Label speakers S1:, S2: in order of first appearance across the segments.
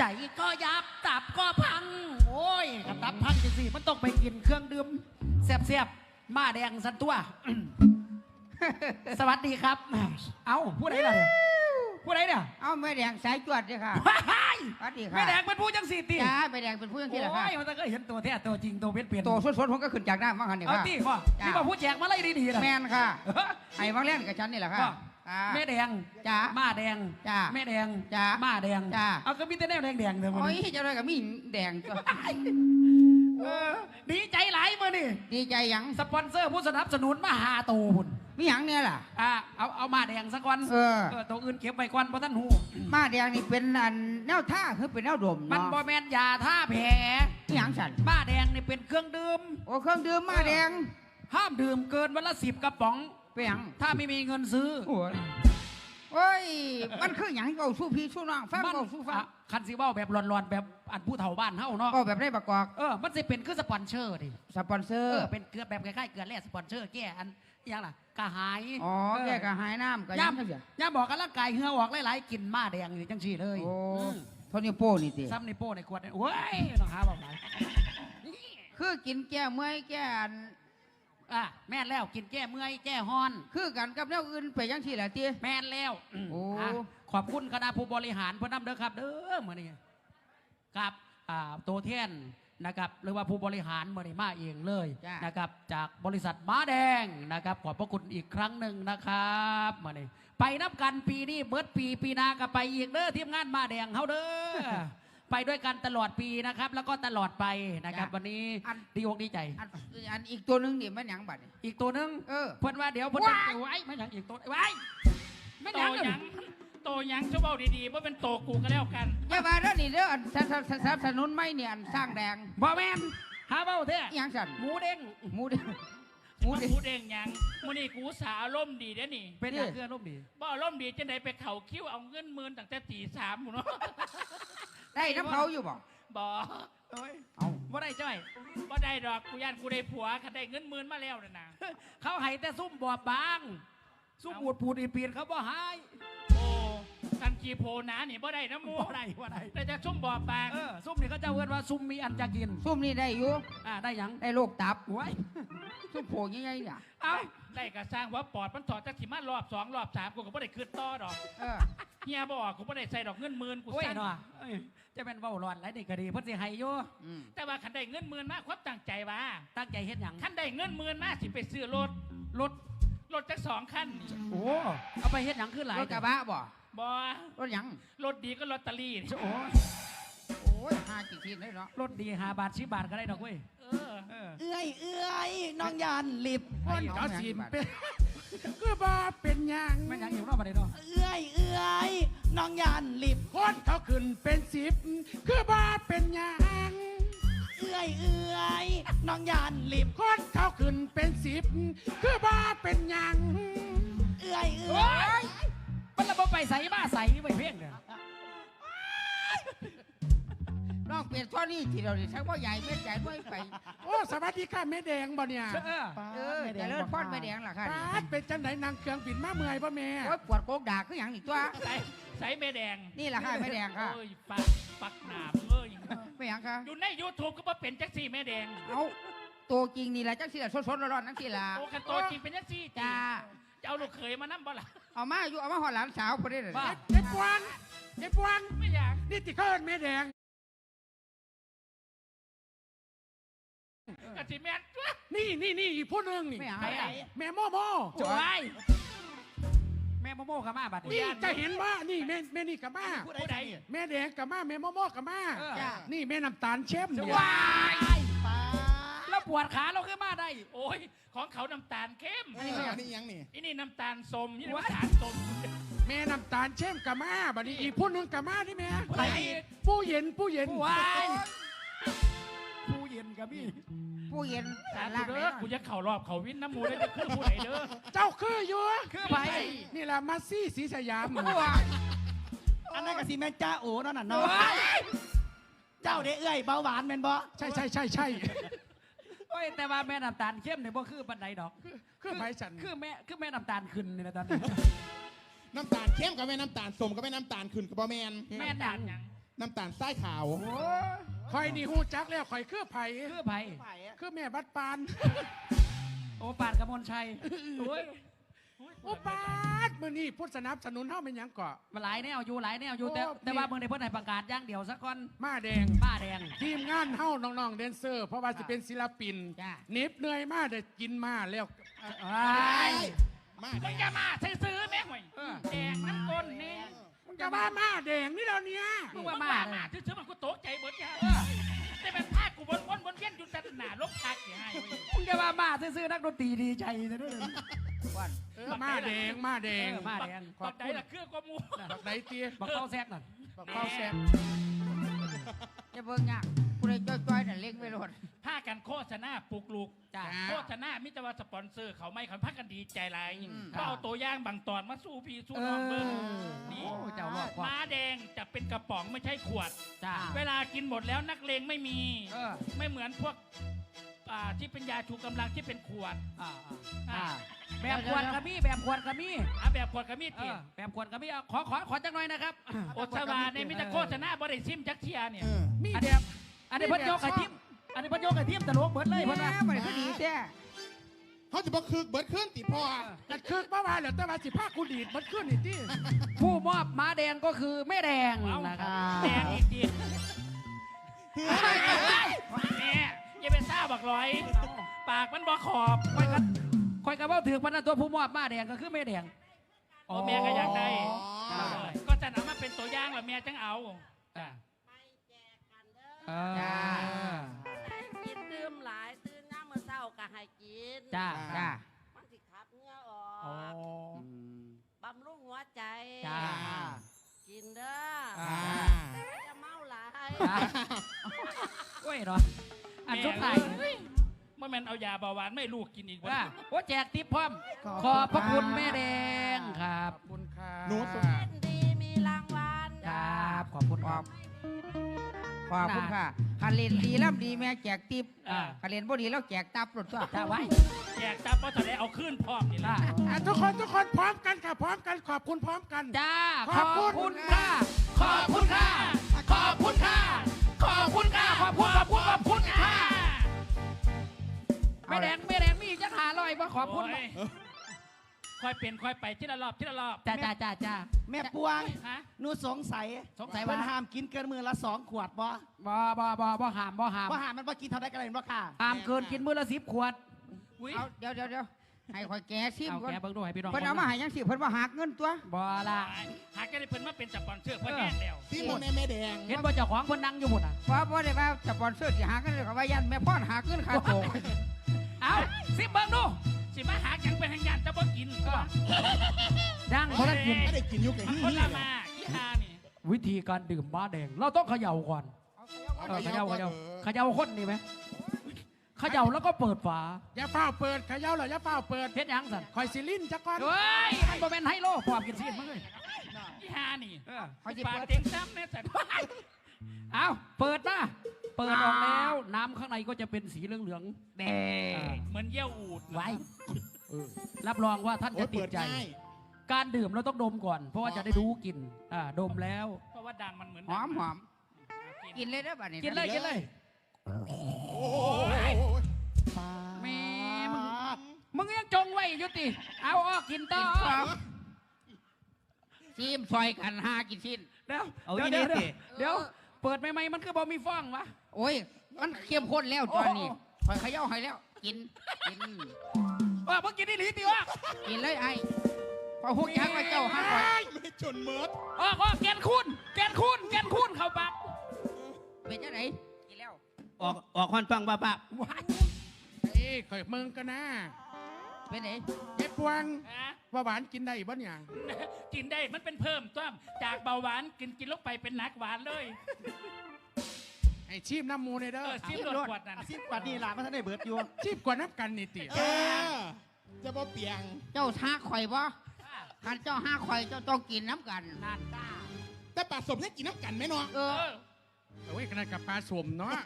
S1: ใจก็ยับตับก็พังโอ้ยกับตับพังจังสิมันต้องไปกินเครื่องดื่มแซ่บๆมาแดงสันตัว สวัสดีครับ เอาผู้ใดล่ะเนี่ยผู้ใดเนี่ย
S2: เอาแม่แดงสายจวดเลยค่ะ
S1: ว้าย
S2: สวัสดีค่ะ
S1: แม่แดงเป็นผู้จังสีตี
S2: จ้าแม่แดงเป็นผู้ยังที่ละค่ะ
S1: โอ้ยมันก็เห็นตัวแท้ตัวจริงตัวเป็นเปลี่ยน
S2: โตสดๆผมก็ขึ้นจากน้ำมาคันนี่
S1: เอา
S2: ค่ะ
S1: ตีพ่อ
S2: จ้า
S1: นี่มาผู้แจกมาไล่ดีๆนะ
S2: แมนค่ะไอ้วังเล่นกับฉันนี่แหละค่ะ
S1: พ่อ
S2: อ่า
S1: แม่แดง
S2: จ้า
S1: มาแดง
S2: จ้า
S1: แม่แดง
S2: จ้า
S1: มาแดง
S2: จ้า
S1: เอาก็มีแต่แนวแดงๆเถอะมัน
S2: โอ้ยเจะเลยกับมีแดงตัว
S1: ดีใจหลายมือนี่
S2: ดีใจหยัง
S1: สปอนเซอร์ผู้สนับสนุนมาหาตูหุ่น
S2: มีหยังเนี่ยล่ะ
S1: เอามาแดงสักวัน
S2: เออ
S1: ตัวอื่นเก็บไว้ก่อนเพราะท่านหู
S2: มาแดงนี่เป็นอันแนวท่าคือเป็นแนวดม
S1: มัน
S2: เนาะ
S1: บอแมนยาท่าแผล
S2: มีหยังฉัน
S1: มาแดงนี่เป็นเครื่องดื่ม
S2: โอ้เครื่องดื่มมาแดง
S1: ห้ามดื่มเกินวันละ10 กระป๋อง
S2: เป็นหยัง
S1: ถ้าไม่มีเงินซื้อ
S2: โอ้ยโอ้ยมันคือหยังเก่าสู้พี่สู้น้องฟัง
S1: มัน
S2: เก่าสู้ฟัง
S1: คันซีว่าแบบร้อนๆแบบอันผู้เฒ่าบ้านเฮาเนาะ
S2: ก็แบบได้ประกอบ
S1: มันจะเป็นคือสปอนเซอร์ดิ
S2: สปอนเซอร์
S1: เป็นเกลือแบบคล้ายๆเกลือแร่สปอนเซอร์แก้อันอยังล่ะกระหาย
S2: อ๋อแกก็หายน้ำก็ยังเสีย
S1: ย่าบอกกันร่างกายเหงื่อออกหลายๆกินมาแดงอยู่จังซี่เลย
S2: โอ้
S1: ม
S2: โทนี่โป้นี่ติ
S1: ซ้ำในโป้ในขวดเนี่ยโอ้ยต้องหาบอกไหน
S2: คือกินแก้เมื่อยแก้อัน
S1: แม่นแล้วกินแก้เมื่อยแก้ฮ้อน
S2: คือกันกับแนวอื่นไปยังที่แหละตี
S1: แม่นแล้ว
S2: โอ้
S1: ขอบคุณคณะผู้บริหารพนำเด้อครับ เด้อมื่อนี้ครับตัวแทนนะครับหรือว่าผู้บริหารมื่อนี้มาเองเลยนะครับจากบริษัทม้าแดงนะครับขอบพระคุณอีกครั้งหนึ่งนะครับมื่อนี้ไปนับกันปีนี้เบิดปีหนาก็ไปอีกเด้อทีมงานม้าแดงเฮาเด้อ ไปด้วยกันตลอดปีนะครับ แล้วก็ตลอดไปนะครับ วันนี้ดีอกดีใจ
S2: อันอีกตัวหนึงนี่มันหยังบัดนี่
S1: อีกตัวหนึง
S2: เออ
S1: เพิ่นว่าเดี๋ยวเพิ่นจะไว้ไม่หยังอีกตัวไว้ไม่ห
S3: โต
S1: ยัง
S3: หยังโตหยังจะเบาดีๆว่าเป็นโตกูก็แล้วกัน
S2: อย่ามาเด้อนี่เด้ออันสนับสนุนไม่เนี่ยอันสร้างแดง
S1: บ่แม่นหาเบ้าเท่
S2: อิหยังสั่น
S1: หมูเด้ง
S2: หมูเด้งห
S3: ห
S2: มู
S3: มู
S2: เด้ง
S3: เด้งหยังมูนี่กูสาอารมณ์ดีเด้อนี่
S1: เป็นอย่างเพื่อนรูปดี
S3: บ่อารมณ์ดีจังไดไปเข่าคิ้วเอาเงินหมื่นตั้งแต่ตีสามหมดเนาะ
S2: ได้น้ำเขาอยู่บ่
S3: บ่
S1: โอ้ย
S2: เอา
S1: บ่ได้จ้อย
S3: บ่ได้ดอกกูย่านกูได้ผัวคันได้เงินหมื่นมาแล้วน่ะนะ
S1: เขาให้แต่ซุ่มบอบบาง ซุ่มปูดอีปีนเขาบ่ให้
S3: โอ้ทันกีโพนะนี่บ่ได้นะหมู
S1: บ่ได้
S3: แต่จะชุ่มบ่อบาง
S1: ซุ่มนี่เขาเจ้าเอื้อนว่าซุ่มมีอันจะกิน
S2: ซุ่มนี่ได้อยู่
S1: ได้หยัง
S2: ได้โรคตับ
S1: ไว้
S2: ซุ่มโผล่ยังไงเนี่ย
S1: เอา
S3: ได้กระสร้างว่าปอดมันถอดจากสิมารอบสองรอบสามกูก็บ่ได้ขึ้นต่อดอก
S2: เออ
S3: เฮียบ่กูบ่ได้ใส่ดอกเงินหมื่นกู
S1: โอ้ย
S3: สั่น
S1: เนาะเอ้ยจะเป็นเว้าร้อนไรนี่ก็ดีเพิ่นสิให้อยู่
S2: อืม
S3: แต่ว่าคันได้เงินหมื่นมาความตั้งใจว่า
S1: ตั้งใจเฮ็ดหยัง
S3: คันได้เงินหมื่นมาสิไปซื้อรถ
S1: รถ
S3: จักสองคัน
S1: โอ้เอาไปเฮ็ดหยังขึ้นหลาย
S2: รถกระบะบ่
S3: บ่
S2: รถหยัง
S3: รถดีก็ลอตเตอรี่นี่
S1: โอ้ย
S2: โอ้ยห้ากี่ทีเลยเนาะ
S1: รถดี5 บาท10 บาทก็ได้ดอกเว้ย
S3: เออ
S1: เอ้ย
S4: เอื้อยน้องยานลิบ
S2: คนเขาสิเป็น
S4: ก็บ่เป็นหยัง
S1: ไม่หยังอยู่รอบประเดี๋ยวเนาะ
S4: เอื้อยน้องยานลิบ
S5: คนเขาขึ้นเป็น10คือบ้าเป็นหยัง
S4: เอื้อยน้องยานลิบ
S5: คนเขาขึ้นเป็น10คือบ้าเป็นหยัง
S4: เอื้อย
S1: โอ้ยมันระบบไปใส่มาใส่ไปเพ่งเด้อ
S2: น้องเปลี่ยนท่อนี่ที่เราเนี่ยชักว่าใหญ่เม็ดใหญ่ด้วยไป
S5: โอ้สวัสดีค่ะแม่แดงบ่เนี่ย
S2: เออแต่เลิศพ่อนไม่แดงล่ะค่ะ
S5: ปาดเป็นจังไหนนางเครื่องบินมาเมื่อยป่ะแม่
S2: โอ้ยปวดโกกด่าคืออย่างนี้ตัว
S3: ใส่แม่แดง
S2: นี่แหละค่ะไม่แดงค่ะ
S3: โอ้ยปักหนาบเอ้ย
S2: ไม่หยังค่ะ
S3: อยู่ใน YouTube ก็บ่เป็นจักซี่แม่แดง
S2: เอาตัวจริงนี่แหละจังสิละสดๆร้อนๆนั่งสิละ
S3: โอ้คันโตจริงเป็นจังซี่
S2: จ้า
S3: จะเอาลูกเขยมานั่บ่ล่ะ
S2: เอามาอยู่เอามาหอดหลานสาวพอดีเลย
S5: เจ็บปวงเจ็บปวง
S3: ไม่อยาก
S5: นี่ติเขาเอิ้นแม่แดง
S3: กะสิแม่นตัว
S5: นี่อีกผู้หนึงนี่
S2: ไม่หยัง
S1: ใครอ่ะ
S5: แม่โมโม
S1: โอ้ยแม่โมโม่ขามาบัด
S5: นี่จะเห็นว่านี่แม่นี่กับมา
S3: ผู้ใด
S5: แม่แดงกับมาแม่โมโมกับมา
S2: จ้า
S5: นี่แม่น้ำตาลเข้มเนี่ย
S1: ว้ายแล้วปวดขาเราขึ้นมาได้
S3: โอ้ยของเขาน้ำตาลเข้ม
S2: อันนี้ไม่หยัง
S4: นี่ยังนี่
S3: อันนี้น้ำตาลส้มนี่น้ำตาลส้ม
S5: แม่น้ำตาลเข้มกับมาบัดนี้อีกผู้หนึงกับมานี่แม่
S3: ผู้ใดอีก
S5: ผู้เย็น
S1: ว้ายผู้เย็นกับพี่
S2: ผู้เย็น
S3: สา
S2: ล่าง
S3: ธุ
S2: ไหน
S3: เด้อกูจะเข่ารอบเขาวินน้ำมูได้จะคือผู้ใดเด้อ
S5: เจ้าคืออยู่
S1: คือไป
S5: นี่แหละมาซี่สีสยาม
S4: อันนั้นก็สิแม่จ้าโอ๋นั่นน่ะเนาะเจ้าเด้เอื้อยเบาหวานแม่นบ่
S5: ใช่
S1: โอ้ยแต่ว่าแม่น้ำตาลเข้มเนี่ยบ่คือปันใดดอก
S5: คือไผ่ฉัน
S1: คือแม่น้ำตาลขึ้นนี่นะตอนนี้
S6: น้ำตาลเข้มกับแม่น้ำตาลส้มกับแม่น้ำตาลขึ้นกับบ่แมน
S1: แม่
S3: น้ำ
S1: ดั
S3: ตาง ลหยัง
S6: น้ำตาลทรายขาว
S5: คอยนี่หูจักแล้วคอยคือไผ่
S1: คือไผ
S5: คือแม่บัดปาน
S1: โอปาดกมลชัยโอ้ย
S5: โอ้ปาดมื้อนี้ผู้สนับสนุนเฮาเป็นหยังเกาะ
S1: มาหลายแนวอยู่หลายแนวอยู่แต่
S5: โอ้
S1: แต่ว่าเมืองในเพิ่นให้ประกาศอย่างเดียวสักก่อน
S5: มาแดง
S1: ป้าแดง
S5: ทีมงานเฮาน้องๆแดนเซอร์ เพราะว่าสิเป็นศิลปิน
S1: จ้า
S5: เหน็บเหนื่อยมากได้กินมาแล้ว
S6: มา
S3: มึงจะมาซื้อๆแม่ห่วยแดกน้ำก้นนี่
S5: มึงจะมาแดงนี่แล้วเนี่ย
S1: มึง
S3: มึ
S1: ว่าง
S3: มา
S1: มา
S3: ซื้อๆมันกูตกใจเบิดจ้าแต่เป็นภาคกูวนเวียนอยู่แต่หน้าลบทักเสียให้เว้ย
S1: มึงจะมาซื้อๆนักดนตรีดีใจซะด้วย
S5: มาแดงมาแดง
S1: มาแดง
S5: ขอ
S3: บั
S5: บ
S3: กใด
S5: คุณ
S3: ละเครื่องก็มู
S5: บักไดเตี้ย
S1: บักเข้าแซกน่ะ
S5: บักข้าวแซ่บ
S2: จะเบิ่งยากผู้ใดจ้อยๆน่ะเล็งไปโลด
S3: ผ้ากันโฆษณาปลุกลูก
S1: จ้า
S3: โฆษณามิตรว่าสปอนเซอร์เขาไม่เขาพักกันดีใจไร
S2: อืม
S3: ก็เอาตัวอย่างบางตอนมาสู้พี่สู้น้องเบิ้งนี่
S1: โอ้เจ้ารอบความ
S3: ม้าแดงจะเป็นกระป๋องไม่ใช่ขวด
S1: จ้า
S3: เวลากินหมดแล้วนักเลงไม่มี
S1: เออ
S3: ไม่เหมือนพวกที่เป็นยาชูกำลังที่เป็นขวด
S1: อ่า
S3: อ่า
S1: แบบขวดกระมี่แบบขวดกระมี่
S3: แบบขวดกับมีด
S1: เอ
S3: ติ
S1: อแบบขวดกระมี่เอาขอจังหน่อยนะครับ
S3: โอชวาในมิตรโฆษณาบริซิมจักเทียเนี่ย
S5: มี
S1: อัน
S5: แด
S1: นี้
S5: ง
S1: อันนี้เพิ่นโยกไอ้ทิมอันนี้เพิ่นโยกไอ้ทิมตลกเบิดเลยเพิ่นว่า
S2: บ่ได้คือดีแท้
S6: เขาจะบอกคึกเบิดขึ้นติพ่อ
S5: กันคือเมื่อวานเหลือแต่ว่าสิภาคกูดีดมันขึ้นอีกที่
S1: ผู้มอบม้าแดงก็คือแม่แดง
S3: เอา
S1: นะครับ
S3: แดงอีกทีแม่อย่าไปซ่าบักร้อย ปากมันบ่ขอบ
S1: คอยกันว่าถือพันนะตัวผู้มอบม้าแดงก็คือแม่แดง
S3: โอ้แม่ก็อยากได้
S6: อ๋อ
S3: ก็จะนำมาเป็นตัวอย่างแล้วแม่จังเอา
S1: จ้า
S2: จ้า
S7: กินดื่มหลายตื่นน้ำมื้อเช้าก็ให้กิน
S1: จ้า
S2: จ้า
S7: มันสิขับเหงื่อออ
S1: โอ้
S7: กบำรุงหัวใจ
S1: จ้า
S7: กินเด้อ
S6: อ่า
S7: อย่าเมาหลาย
S1: จ้าโอ้ยเหรออันสุดท้าย
S3: เมื่อมันเอายาเบาหวานไม่ลูกกินอีก
S1: ว่า
S3: ว่า
S1: โอ้แจกทิปพร้อม ขอบพระคุณแม่แดงครั
S5: ข
S1: บ
S5: อบคุณค่ะ
S6: หนูสุด
S7: เล่นดีมีรางวัล
S1: ครับขอบคุณ
S2: ข
S1: ค
S2: อ
S1: รั
S2: บบ ขอบคุณค่ะคันเล่นดีล่ำดีแม่แจกติ๊บ
S1: อ่า
S2: คันเล่นบ่ดีแล้วแจกตับรถตัว
S1: จ้าไว้
S3: แจกตับเพราะจะได้เอาขึ้นพร้อมนี่แหละ
S5: อ่ะทุกคนพร้อมกันค่ะพร้อมกันขอบคุณพร้อมกัน
S1: จ้า
S5: ข
S1: ข
S5: อ
S1: อ
S5: บบ คุณ
S1: คุณค่ะ ขอบคุณค่ะ ขอบคุณค่ะ ขอบคุณค่ะ ขอบคุณค่ะ แม่แดงมีอีกจังหาลอยมาขอบคุณ
S3: โยค่อยเปลี่ยนค่อยไปทีละรอบทีละรอบ
S1: จ้าจ้า
S4: แม่ปวง
S3: ฮะ
S4: หนูสงสัย
S1: สงสัย
S4: เพิ่
S1: ว่าน
S4: ห้ามกินเกินมือละ2 ขวดบ่
S1: บ่หาม
S4: ว่าหามมันบ่กินเท่าไดกันเลยบ่ค่ะ
S1: ห้ามเกินกินมื้อละ10 ขวด
S3: อุ้ย
S2: เอาเดี๋ยวให้ข่อยแกซิม
S1: เอา
S2: ก่อน
S1: แกเบิ่งดูให้พี่น้อง
S2: เพิ่นเอามาให้ยังสิเพิ่นว่าหักเงินตัว
S1: บ่ละ
S3: หากได้เพิ่นมาเป็นสปอนเซอร์เพิ่นแน่แล้ว
S6: ที่มันแม่แดง
S1: เห็นบ่เจ้าของเพิ่นนั่งอยู่หมดอ่ะ
S2: เพราะบ่ได้ว่าสปอนเซอร์สิหักเงินเขาว่ายันแม่พ่อนหักเงินค่าโตะ
S1: เอาสิเบิ่งดู
S3: สิมาหาจังเป็นทางยานจะบ่กินก็
S1: ดังบ่ทันกิน
S6: ไม่ได้กินอยุกไอ้
S3: มัน
S6: ที่
S3: คน
S6: นี่
S3: ละมาอีหานี่
S1: วิธีการดื่มม้าแดง เราต้องเขย่าก่อนเขย่าคนนี่ไหมเขย่าแล้วก็เปิดฝา
S5: อย่าเฝ้าเปิดเขย่าเหรออย่าเฝ้าเปิด
S1: เฮ็ดหยังสั่น
S5: คอยสิลิ้นจักก่อน
S1: เฮ้ยมันบ่แม่นไฮโลความกินซีดมึงเอ้ย
S3: อีหานี่
S2: เขาสิ
S3: ปาก
S2: เปิด
S3: เต็งซ้ำเนี่ยแต่
S1: เอาเปิดมาเปิดออกแล้ว น้ำข้างในก็จะเป็นสีเหลืองๆแดง
S3: เหมือนเยี่ยวอูด
S1: ไว้รับรองว่าท่าน
S6: โอ้
S1: จะ
S6: ย
S1: ติ
S6: เปิ
S1: ด
S6: ด
S1: ใจ
S6: ง่าย
S1: การดื่มเราต้องดมก่อน เพราะว่าจะได้รู้กลิ่นดมแล้ว
S3: เพราะว่าดังมันเหมือน
S2: หอมกินเลยเด้อบัดนี้
S1: กินเลยกินเลย
S6: โอ้ย
S1: แม่มึงยังจงไว้อยู่ติเอาออกกินต่อ
S2: ซิมซอยกันหากินสิ้น
S1: เดี๋ยว
S4: เอา
S1: เดี๋ยว
S4: อี
S1: เดี๋ยว
S4: นี่
S1: เดี๋ยวเปิดใหม่ๆมันคือบ่มีฟองวะ
S2: โอ้ยมันเข้มข้นแล้วตอนนี้ข่อยเขย่าให้แล้วกิน
S1: ว่าเมื่อกี้นี่หลีติวะ
S2: กินเลยไอ้พอหุกยักว่าเจ้าห้าข่อย
S6: ไม่จนเมิด
S1: ออกแกนคุณเข้าปาก
S2: เป็นจังไดกินแล้ว
S4: ออกควันฟังบ้า
S5: เอ้ยคอยเมืองกันนะ
S2: เป็นได
S5: เฮ็ดพวง
S3: ฮะ
S5: ว่าหวานกินได้บ่เนี่ย
S3: กินได้มันเป็นเพิ่มต้มจากเบาหวานกินลงไปเป็นนักหวานเลย
S5: ให้ชีพน้ำมูในเด้อ
S3: ซิมรถขวดนั่น
S4: อาชีพกว่านี้ล่ะมันทันได้เบิดอยู่
S5: ชีพกว่าน้ำกันนี่ติ
S6: เออจะบ่เปียง
S2: เจ้าท้าข่อยบ่คันเจ้าห้าข่อยเจ้าต้องกินน้ำกัน
S1: นั่นจ้า
S6: แต่ปลาสมเนี่ยกินน้ำกันไหมเนาะ
S2: เออ
S5: โอ้ยขนาดกับปลาสวมเนาะ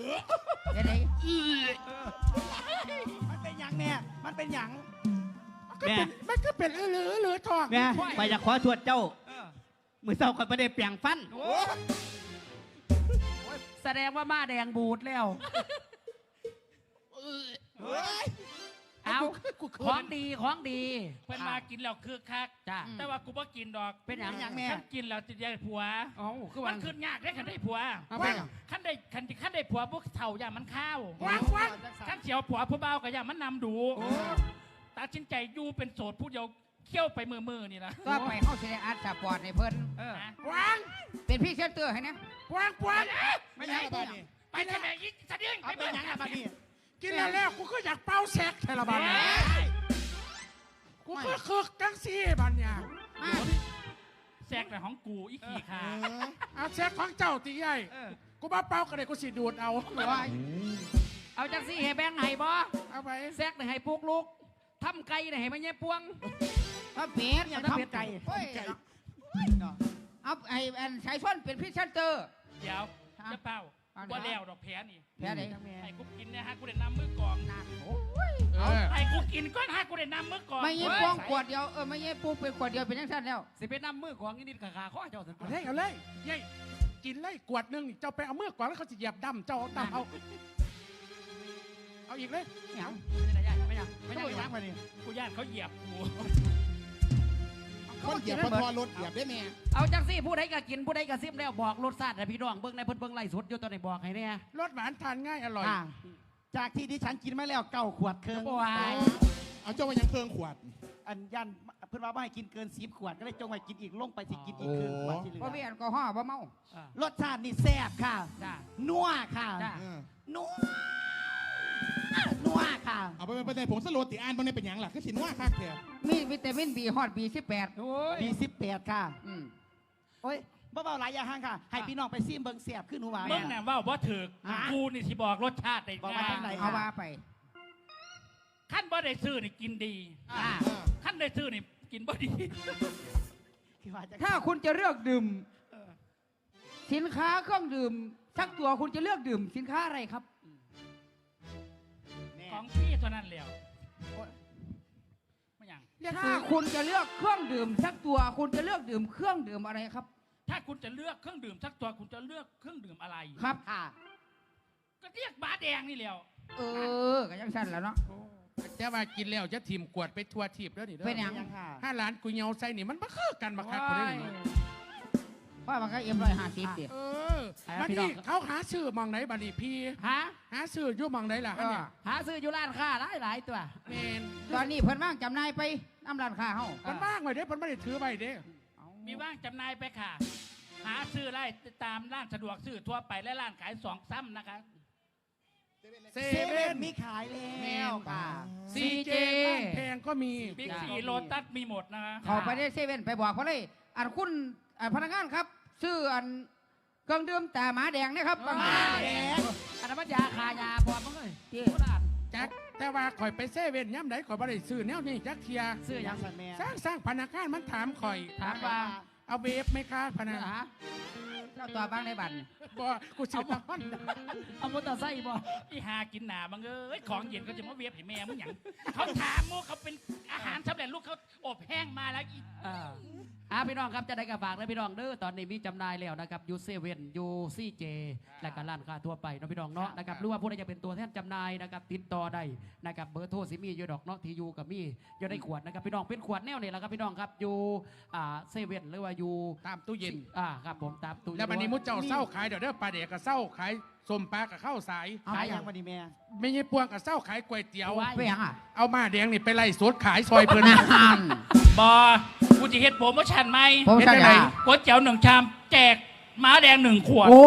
S2: เป็นได
S4: มันเป็นหยังแน่มันเป็นหยัง
S5: มันก็เป็นเหลือทอง
S4: แม่ไปอยากขอตรวจเจ้ามือเศร้าคนประเดี๋ยวเปลี่ยงฟัน
S1: แสดงว่ามาแดงบูดแล้ว
S6: เฮ้ย
S1: เอาของดีของดี
S3: เพิ่นมากินแล้วคือคัก
S1: จ้า
S3: แต่ว่ากูบ่กินดอก
S1: เป็นหยัง
S4: แม่
S3: คันกินแล้วจะได้ผัว
S1: เอ้าคือ
S3: มั
S1: ว่าน
S3: ขึ้นยากได้คันได้ผัว
S1: เอาไปหยัง
S3: คันได้ผัวพวกเฒ่าอย่ามันข้าว
S5: วาง
S3: คันเสียวผัวผู้เบาก็อย่ามันนำดูตัดสินใจอยู่เป็นโสดผู้เดียวเขี้ยวไปมือนี่นะ
S2: ก็ไปเข้าเซนอาร์ตสปอร์ตในเพิ่น
S3: นะ
S5: วาง
S2: เป็นพี่เซนเตอร์ให้นะ
S5: วาง
S6: ไม่ใช่บ้านนี่
S3: ไปทำไมยิ่งสะดึง
S4: เอาไปหยังอะบัดนี้
S5: กินแล้วกูก็อยากเป่าแซกแทละบันกูก็คึกจังซี่บันเนี่ย
S3: แซกแต่ของกูอีกขี่ขา
S5: เอาแซกของเจ้าตีใหญ่กูมาเป่ากันเลยกูสิดูดเอา
S1: เอาจังซี่ให้แบงค์ให้บ่
S5: เอาไป
S1: แซกให้ปลูกลูกทำไก่ให้มันแย่ปวง
S2: ถ้าเป็ด
S4: ยังทำไก่
S2: โอ้ยเอาไอ้สายส้นเป็นพี่เซนเตอร์
S3: เดี๋ยวจะเป้าว่าแล้วดอกแพ้นี่
S2: แพ้ไหน
S3: ให้กูกินเนี่ยฮะกูได้นำมือกอง
S5: เออ
S3: ให้กูกินก้อนฮะกูได้นำมือกอง
S2: ไม่เงี้ยพวงขวดเดียวไม่เงี้ยปูเป็นขวดเดียวเป็นยังสั้นแล้ว
S1: สิเป็นน้ำมือของนิดๆขาข้อเจ้าสัน
S5: เอาเลยยัยกินเลยกวดหนึงเจ้าไปเอาเมื่อก่อนแล้วเขาจะเหยียบดำเจ้าเอาดำเอาอีกเลย
S2: เนี่ย
S1: ไม่ได้ไม่ได้
S4: ไม่
S1: ไม่
S4: ใช่
S1: ได้
S4: ยังบัดนี้
S3: กูย่านเขาเหยียบกู
S6: คนเหยียบพอทอรถเหยียบได้แม่
S1: เอาจังซี่ผู้ใดก็กินผู้ใดก็ซิมแล้วบอกรสชาติให้พี่น้องเบิ่งในเพิ่นเบิ่งไล่สดอยู่ตอนไหนบอกให้เนี่ย
S5: รสหวานทานง่ายอร่อย
S4: จากที่ดิฉันกินมาแล้ว9 ขวดเครื่อง
S1: โอ้ย
S6: เอาเจ้ามายังเครื่องขวด
S4: อันยันเพิ่นว่าไม่ให้กินเกิน10 ขวดก็เลยจงไว้กินอีกลงไปสิกินอีกครึ่งขวดที่เหลื
S2: บ่
S4: อ
S2: มีแอลกอฮอล์บ่เมาร
S4: สชาตินี่แซ่บค่ะ
S1: จ้า
S4: นัวค่ะ
S1: จ้า
S4: นัวนัวค่ะ
S6: เอาไปในผงสโลติอ่านบางในเป็นหยังล่ะคือสินว่าคักเถอะ
S2: มีวิตามินบีฮอตบี18
S1: โอ้ย
S4: B18ค่ะโอ้ยบ่เบาหลายอย่างห่างค่ะ ให้พี่น้องไปซิมเบิ่งแซ่บขึ้นหนูว่า
S3: มึงน่ะว่าบ่ถึกกูนี่ที่บอกรสชาติได้
S4: บอกว่าจังไหน
S2: เอาว่าไป
S3: ขั้นบ่ได้ซื้อนี่กินดีขั้นได้ซื้อนี่กินบ่ดี
S4: คือว่าจะ
S2: ถ้าคุณจะเลือกดื่มสินค้าเครื่องดื่มสักตัวคุณจะเลือกดื่มสินค้าอะไรครับ
S3: ของพี่เท่านั้นแล้วไม่ยัง
S2: ถ้าคุณจะเลือกเครื่องดื่มสักตัวคุณจะเลือกดื่มเครื่องดื่มอะไรครับ
S3: ถ้าคุณจะเลือกเครื่องดื่มสักตัวคุณจะเลือกเครื่องดื่มอะไร
S2: ครับ
S4: ค่ะ
S3: ก็เรียกบาแดงนี่แล้ว
S2: ก็ยังสั้นแล้วเนาะ
S5: แต่ว่ากินแล้วจะทีมกวดไปทัวทีบแล้วนี่เด้
S2: เป็นหยัง
S4: ค่ะ
S5: ถ้าร้านกุยเงาใส่นี่มันมาคือกันมาคักคนนี้
S2: เพราะมันก็M150เดียว
S5: บัดนี้เขาหาซื้อมองไหนบัดนี้พี่
S1: ฮะ
S5: หาซื้ออยู่มองไหนล่ะฮะเนี่ย
S1: หาซื้ออยู่ร้านค้าหลายตัว
S5: เมน
S2: ตอนนี้เพิ่นว่างจำหน่ายไปน้ำร้านค้าเฮา
S5: มันบ้างไว้เด้มันไม่ได้ถือไว้เด้
S3: มีว่างจำหน่ายไปค่ะ หาซื้อได้ตามร้านสะดวกซื้อทั่วไปและร้านขาย2 ซ้ำนะคะ
S5: เซ
S4: เซ
S5: เว่
S4: เว่
S5: น
S4: นมีขายแล้วค่ะ
S5: ซีเจร้านแพงก็มี
S3: บิ๊กซีโลตัสมีหมดนะคะ
S2: เขาไปได้เซเว่นไปบอกเขาเลยอันคุณพนักงานครับ ซื้ออันเครื่องดื่มแต่หมาแดงนะครับ
S1: หมาแดง อันนั้นมันยาคายาพร้อมมั้งเลย
S2: ที่
S1: โบราณ
S5: จักแต่ว่าข่อยไปเซเว่นย่ำไหนข่อยบ่ได้ซื้อแนวนี้จักเทีย
S1: ซื้อหยัง
S4: สันแม่
S5: สร้างพนักงานมันถามข่อย
S1: ถามว่า
S5: เอาเวฟไหมคะพนัก
S1: ฮะ
S2: เจ้าตัวบ้างในบัตร
S5: บ่กูซื้อตะฮอน
S1: เอามอเตอร์ไซค์บ่
S3: อีหากินหนาบังเอ้ยของเย็นเขาจะมาเวียบให้แม่มึงหยังเขาถามมูเขาเป็นอาหารสำเร็จรูปเขาอบแห้งมาแล้วอี
S1: พี่น้องครับจะได้กระฝากนะพี่น้องเด้อตอนนี้มีจำหน่ายแล้วนะครับยูเซเว่นยูซีเจและก็ร้านค้าทั่วไปเนาะพี่น้องเนาะนะครับหรือว่าผู้ใดจะเป็นตัวแทนจำหน่ายนะครับติดต่อได้นะครับเบอร์โทรสิมีอยู่ดอกเนาะที่ยูกับมีอยู่ในขวดนะครับพี่น้องเป็นขวดแนวนี่แหละครับพี่น้องครับยูเซเว่นหรือว่ายู
S5: ตามตู้เย็น
S1: ครับผมตามตู้
S5: แล้ววันนี้มุดเจ้าเศร้าขายเดี๋ยวเด้อปลาเด็กกับเศร้าขายส้มปลากับข้าวสาย
S4: เอาไปยังบัดนี้แม่
S5: ไม่ใช่ปวงกับเศร้าขายก๋วยเตี๋ยว
S2: ไปยังอ่ะ
S5: เอามาแดงนี่ไปไล่สดขายซอยเพิ่น
S3: บอกูจะเฮ็ดโปรโมชั่นไหม
S2: ผมสั่ง
S5: เฮ็ดได้ไหน
S2: ยา
S3: ก๋วยเตี๋ยว1 ชามแจกม้าแดง1 ขวด
S1: โอ้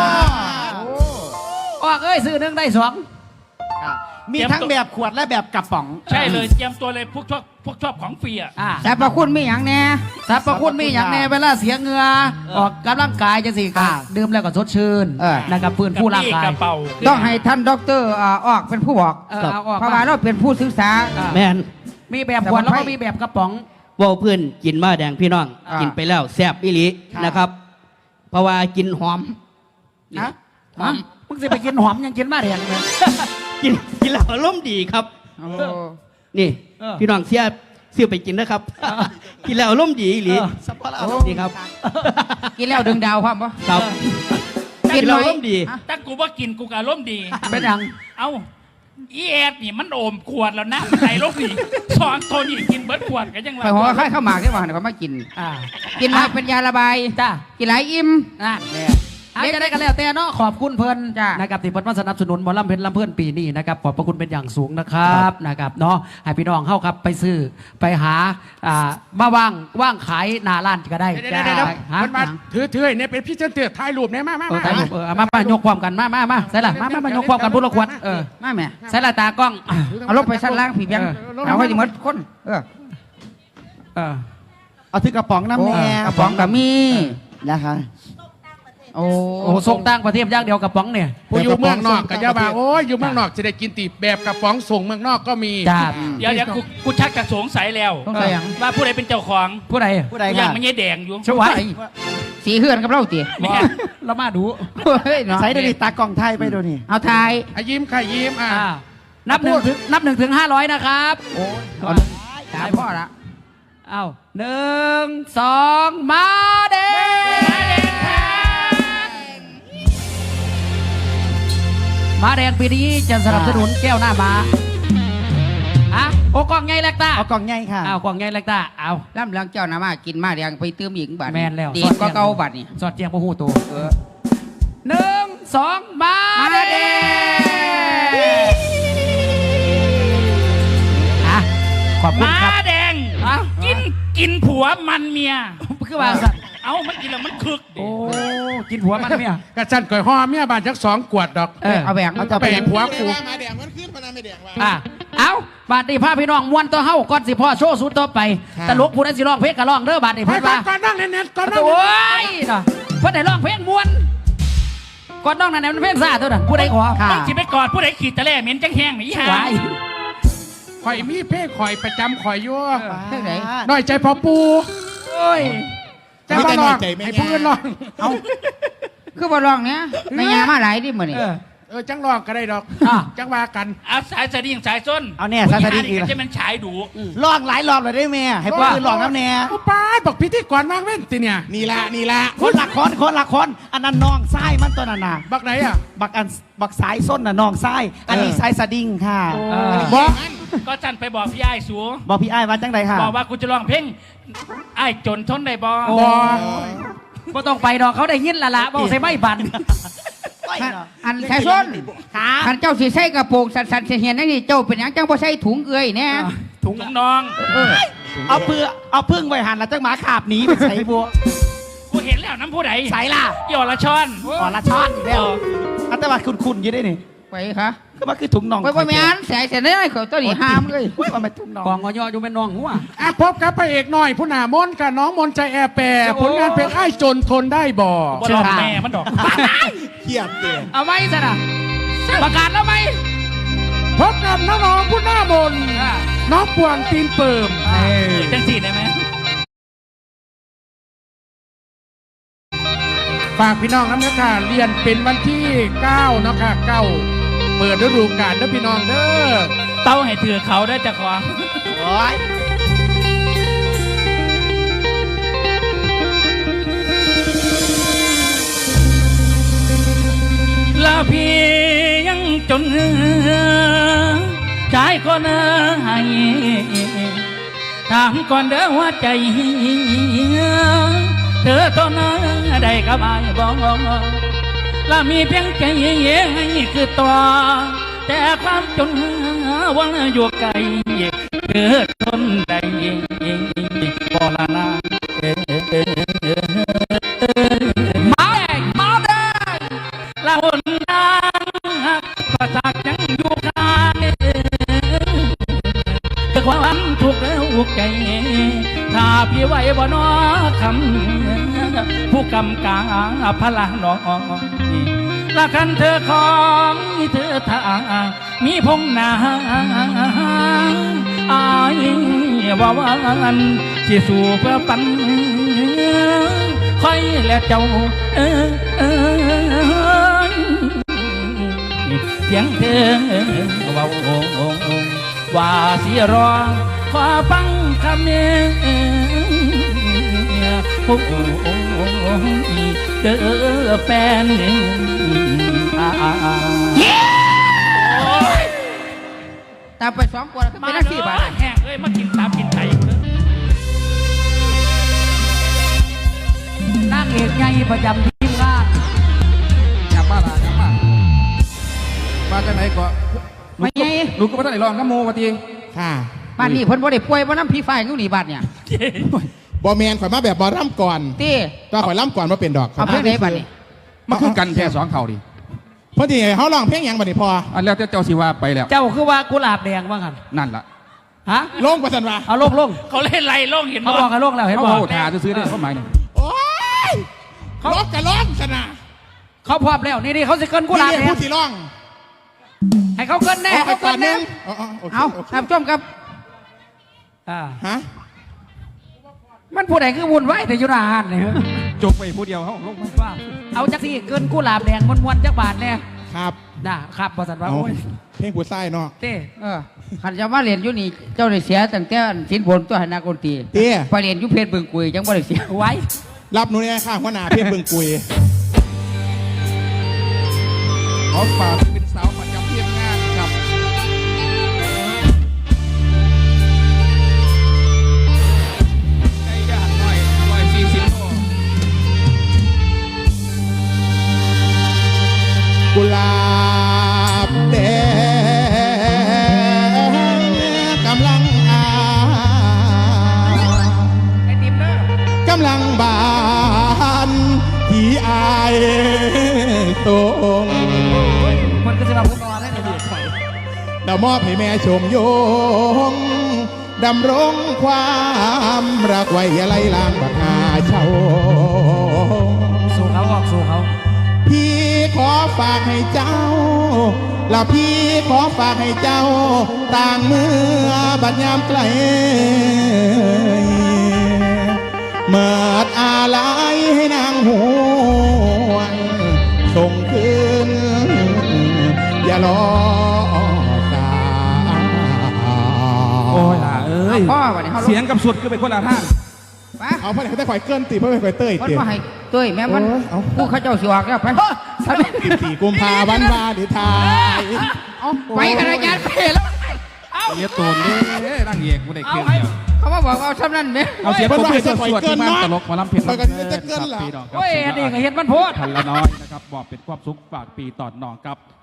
S1: ออกเอ้ยซื้อหนึ่งได้สอง
S4: มีทั้งแบบขวดและแบบกระป๋อง
S3: ใช่เลยเตรียมตัวเลยพวกชอบของฟรีอ่ะ
S2: แต่ประคุณมีอย่างแน่
S1: สรรพคุณมีอย่างแน่เวลาเสียเหงื่อออกกำลังกายจะสิค่ะดื่มแล้วก็สดชื่นนะครับฟื้นฟูร่างกาย
S3: กระเป๋า
S2: ต้องให้ท่านด็อกเตอร์ออกเป็นผู้บอก
S1: เอาออก
S2: เพราะว่าเราเป็นผู้ศึกษา
S8: แม่น
S1: มีแบบขวดแล้วก็มีแบบกระป๋อง
S8: เว่าเพื่อนกินมาแดงพี่น้อง
S2: อ่ากิ
S8: กินไปแล้วแซ่บอีหลีนะครับ เพราะว่ากินหอม
S1: ฮะมึงสิไปกินหอมยังกินมาแดงเลย
S8: กินแล้วอารมณ์ดีครับ นี่ พี่น้องเสียซื้อไปกินนะครับ กินแล้วอารมณ์ดีอีหลี
S4: สัพพะอารมณ์ดีครับ
S2: กินแล้วดึงดาวความปะ
S8: ครับ
S2: กิน
S8: เรา
S2: น้อย
S8: อารมณ์ดี
S3: ถ้ากูว่ากินกูก็อารมณ์ดี
S1: เป็นหยัง
S3: เอ้าอีแอดนี่มันโอมขวดแล้วนะไหลลงนี่สองตัวนี่กินเบิร์ดขวดกันยังไง
S2: ไปหัวไข่ข้าวหมากได้ป่ะเดี๋ยวเขามากิน
S1: อ่า
S2: กินมากเป็นยาระบาย
S1: จ้า
S2: กินหลายอิ่ม
S1: อ่ะอาจจะได้กันแล้วแต่เนาะขอบคุณเพิ่น
S2: จ้ะ
S1: นะครับที่เพิ่นมาสนับสนุนหมอลำเพชรลำเพื่อนปีนี้นะครับขอบพระคุณเป็นอย่างสูงนะครับนะครับเนาะให้พี่น้องเข้าครับไปซื้อไปหามาว่างขายหน้าร้านก็ได้
S5: เดี๋ยวๆ
S1: ฮะ
S5: มันมาถือๆเนี่ยเป็นพี่เจ้าเตือถ่ายรูปเนี่ยมา
S1: เออถ่ายรูปเอามายกความกันมาใส่ละมายกความกันพูดละคร
S2: มาแม่
S1: ใส่ละตากล้อง
S2: เอาลงไปชั้นล่างผีเบียงเอาให้ดีหมดคน
S1: เออ
S4: เอาถือกระป๋องน้ำแน่
S2: กระป๋องกับมี
S4: นะคะ
S2: โอ้
S1: โอ้ส่งต่างประเทศอย่างเดียวกับป๋องเนี่ย
S5: ผู้อยู่เมืองนอกกับยาบาโอ้ยอยู่เมืองนอกจะได้กินตีแบบกระป๋องส่งเมืองนอกก็มี
S1: จ้า
S3: เดี๋ยวกูชักจะสงสัยแล้ว
S2: ต้องใส่หยัง
S3: ว่าผู้ใดเป็นเจ้าของ
S1: ผู้ใด
S4: ผู้ใด
S3: อ
S4: ค่ะ
S3: ย่างมันยี่แดงอยู่
S1: ช่วย
S2: สีเฮือนกับเราตี
S3: แม่
S1: เรามาดู
S2: เฮ้ยเนาะ
S4: ใส่เดี๋ยวนี้ตากล่องไทยไปดูนี่
S2: เอาทาย
S5: ยิ้มค่ะยิ้ม
S1: นับหนึ่งถึง500นะครับ
S2: ตายพ่อละ
S1: เอา1 2มาเด้มาแดงปีนี้จะสนับสนุนแก้วหน้ามาอ่ะโอ้กล่องใหญ่เล็กตา
S4: เอากล่องใหญ่ค่ะ
S1: เอากล่องใหญ่เล็กตาเอา
S2: ล่ำเลืองเจ้านามากินมาเรียงไปเติมอีกบัตร
S1: แม่นแล้ว
S2: ดีก็เก่าบัตรนี่
S1: สอดเจียงพระหูตัว1 2มาเด้อ่ะขอบคุณ
S3: ม้า
S1: ครับ
S3: แดง
S1: อ่ะ
S3: กินผัวมันเมีย
S1: คือว่าสัตว์
S3: เอ้ามันกินแล้วมันคึกดิ
S1: โอ้กินหัวมันเนี่ย
S5: กระจันก่อยห่อเมียบานจัก2 ขวดดอก
S2: เอาแบ่ง
S5: เอาจะไปผัวกู
S6: มาแดงมันขึ้นมาไม่แดงว่า
S1: อ่ะเอาบาดนี้พาพี่น้องมวนตัวเฮาก่อนสิพ่อโชว์สุดต่อไปตลกผู้ใดสิร้องเพลงก็ร้องเด้อบาดนี้
S5: ไป
S1: เพิ่น
S5: ก่อ
S1: ว่า
S5: นก่อนนั่งเน้นๆก่อนนั่ง
S1: โอ้ยน่ะเพิ่นได้ร้องเพลงมวนก่อนน้องนั่นมันเพลงซ่าตัวนั้นผู้ใดขอ
S2: ค่ะ
S3: มึงสิไปกอดผู้ใดขีดตะแล่เหม็นจังแห้งนี่ฮะ
S1: ไว้
S5: ข่อยมีเพ่ข่อยประจำข่อยอยู่
S2: เท่าไหร่
S5: น้อยใจพอปู
S1: โอ้ย
S5: แต่ว่าลองให้ผู้อื่นลอง
S2: เอาคือบ่ลองเนี้ยในยามาหลายดิมื้อนี่
S5: จังลองก็ได้ดอก
S1: อ่ะ
S5: จังว่ากัน
S3: เอาสายสดิ้งสายส้น
S4: เอาแน่ซาสดิ้งอีก
S3: ก็จะมันฉายดู
S4: ลองหลายรอบเลยได้ไหมให้พวกอื่นลองน้ำแน่
S5: โอ้ป้าบอกพิธีกรมากเว้นติเนี่ย
S6: นี่ละ
S4: คนละคนอันนั้นน้องไส้มันตัวนั้นน่ะ
S5: บักไหนอ่ะ
S4: บักสายส้นน่ะน้องไส้อันนี้สายสดิ้งค่ะ
S5: บอก
S3: ก็จันไปบอกพี่ไอ้ายสู
S4: บอกพี่ไอ้ายว่าจังใดค่ะ
S3: บอกว่ากูจะร้องเพลงไอ้ายจนทนได้บ่
S5: บอก
S1: บ่ต้องไปดอกเขาได้ยินละบอกใส่ไม่บัน
S2: อันแค่ส้น
S4: ขา
S2: คันเจ้าสิใส่กระโปรงสันๆเห็นนั่นนี่เจ้าเป็นหยังจังบ่ใส่ถุงเอื้อยแน่
S3: ถุงน้อง
S4: เอาพึ่งไว้หันแล้วจังหมาขาบหนีไปใส่บัว
S3: กูเห็นแล้วน้ำผู้ใด
S4: ใส่ล่ะ
S3: หยอดละช้อน
S4: อ๋อละช้อนอีกแล้วอัตวัดคุณอยู่ได้นี่
S2: ไปค่ะ
S4: ก็มันคือถุงน่อง
S2: ไปแม่นใส่เสร็จได้เขาตัวนี้ห้ามเลย
S4: ว่ามันถุงน่อง
S1: กองอยอยู่เป็นน้องหัว
S5: พบกับพระเอกหน่อยผู้หนามนต์กับน้องมนต์ใจแอร์แปรผลงานเพลงไอ้ายจนทนได้บ่
S3: บ่ลองแม่มันดอก
S6: เทียบเดีย
S1: เอาไหมซะนะประกาศแล้วไหม
S5: พบกับน้องๆผู้หน้ามนต์น้องปวงตีนเปิม
S3: จังสีได้ไหม
S5: ฝากพี่น้องน้ำเนื้อค่ะเรียนเป็นวันที่9เนาะค่ะ9เปิดฤดูกาลเด้อพี่น้องเด้อ
S3: เต้าให้ถือเขาได้จากของ
S4: โอ้ย
S3: ลาพี่ยังจนชายคนให้ถามก่อนเด้อว่าใจเธอตอนนั้นได้กับอายบอกและมีเพียงใจให้คือตัวแต่ความจนวันอยู่ไกลเกิดทนได้บ่ละนา
S1: มาแดง
S3: ละหนทางประสาทยังอยู่ข้างคือความทุกข์แล้วอุกใจถ้าพี่ไหวบ่นอคำผู้กำกาพละน้องละกันเธอของเธอทางมีพงนาอายว่าวันสิสู่เพื่อปันคอยและเจ้าเพียงเธอว่าว่าสิรอขอฟังคำนี้โอ้โหเด้อแฟน
S2: ตามไป2 คนเป็นนักสี่บาท
S3: แห้งเอ้ยมากินตามกินไก่กูเลย
S1: นางเอกใหญ่ประจำทีมงาน
S5: อยากมาละอยากมามาจากไหนก็
S2: ไม่ไง
S5: ลูกก็ไม่ต้องไหนลองน้ำโมวะที
S6: ค่ะ
S2: บ้านนี้เพิ่นบ่ได้ป่วยบ่น้ำผีฟ้าอยู่นี่บ้านเนี่ย
S6: บอแมนข่อยมาแบบบอร่ำก่อน
S2: ตี
S6: ตัวข่อยร่ำก่อนมาเป็นดอก
S2: เอาเพิ่นได้บ้านนี้
S5: มาคือกันแค่2 เข่าดิ
S6: พอดีเขาลองเพลงหยังบัดนี้พอ
S5: อันแล้วแต่เจ้าสิว่าไปแล้ว
S1: เจ้าคือว่ากุหลาบแดงว่างัน
S5: นั่นล่ะ
S1: ฮะ
S6: ลงประสันวะ
S1: เอาลงลง
S3: เขาเล่นไรโล่งเห็น
S1: เขาบอกให้ลงแล้วเห็น
S5: เขา
S1: บอก
S5: โหทาซื้อได้เขาหมายนี่
S6: โอ้ยลงกับลงชนะ
S1: เขาพร้อมแล้วนี่เขาจะเกินกุหลาบ
S6: นี่
S1: แดง
S6: ผู้ที่ร้อง
S1: ให้เขาเกินแน่
S6: เอาไป
S1: เขา
S6: ก่
S1: เกิ
S6: อน
S1: น
S6: หนึ
S1: แน่
S6: งโอเค
S2: เอา
S6: โอเค
S2: ท่านผู้ชมครับ
S6: ฮะ
S1: มันผู้ใดคือวุ่นวายแต่อยุราหานเนี่ย
S5: จกไปผู้เดียวเขาลงไป
S1: ว่าเอาจักสี่เกินกุหลาบแดงมวนๆจักบาทแน่
S6: ครับ
S1: นะครับบอสันว่า
S6: เอา
S1: โอ้ย
S6: เพลงผู้ใต้เนาะ
S1: เต้
S2: ขันจะมาเรียนอยู่นี่เจ้าได้เสียตั้งแต่สินบนตัวหนากนตรี
S6: เตี้ย
S2: ไปเรียนอยู่เพชรบึงกุยจังบ่ได้เสีย
S1: ไว้
S6: รับหนูเนี่ยข้างหัวหน้าเพลงเบิ่งกุย
S5: ขอฝากเป็นสาวประจำทีมงานครับในย่านน้อย140 โล
S6: กุหลาบแดงกำลัง
S1: ไอติมเด้อก
S6: ำลังบานที่อายตรง
S1: มันก็จะมาพูดนอนได้เลย
S6: ดาวมอบให้แม่ชมโยงดำรงความรักไว้อย่าไล่ลางบักหาเช่า
S1: สู่เขาออกสู่เขา
S6: พี่ขอฝากให้เจ้า และพี่ขอฝากให้เจ้า ต่างเมื่อบัดยามไกลเมื่ออาลัยให้นางหวนส่งคืนอย่ารอสาย
S5: โอ้ยล่ะเอ้ย
S2: พ่อวันนี้เขา
S5: เสียงกับสุดคือเป็นคนละท่าน
S2: ไป
S6: เอาเพราะไหนเขาได้ข่อยเกินตีเพราะไม่ข่อยเต้ย
S2: มัน
S6: ตี
S2: มาให้เต้ยแม่มัน
S6: โอ้ยเอา
S2: ผู้เขาเจ้าสิออกแล้วไป
S6: 14 กุมภาพันธ์วาดิทาย
S2: เอาไปกันอาจารย์ไปแล้ว
S5: เรียกโตนเด้นั่งเอกกูได้เครื่องเดียว
S2: เขามาบอกว่าเอาซ้ำนั่นเนี่ย
S5: เอาเสียงผมเป็นสวดที่มันตลกมาล้ำเพลิน
S6: ข่อยก็จะเกิน
S5: ครับ
S6: ล่ะ
S5: พี่น้องครับ
S1: โอ้ยอันนี้ก็เห็นมันโพด
S5: พันละน้อยนะครับบอกเป็นความสุขฝากปีต่อน้องครับ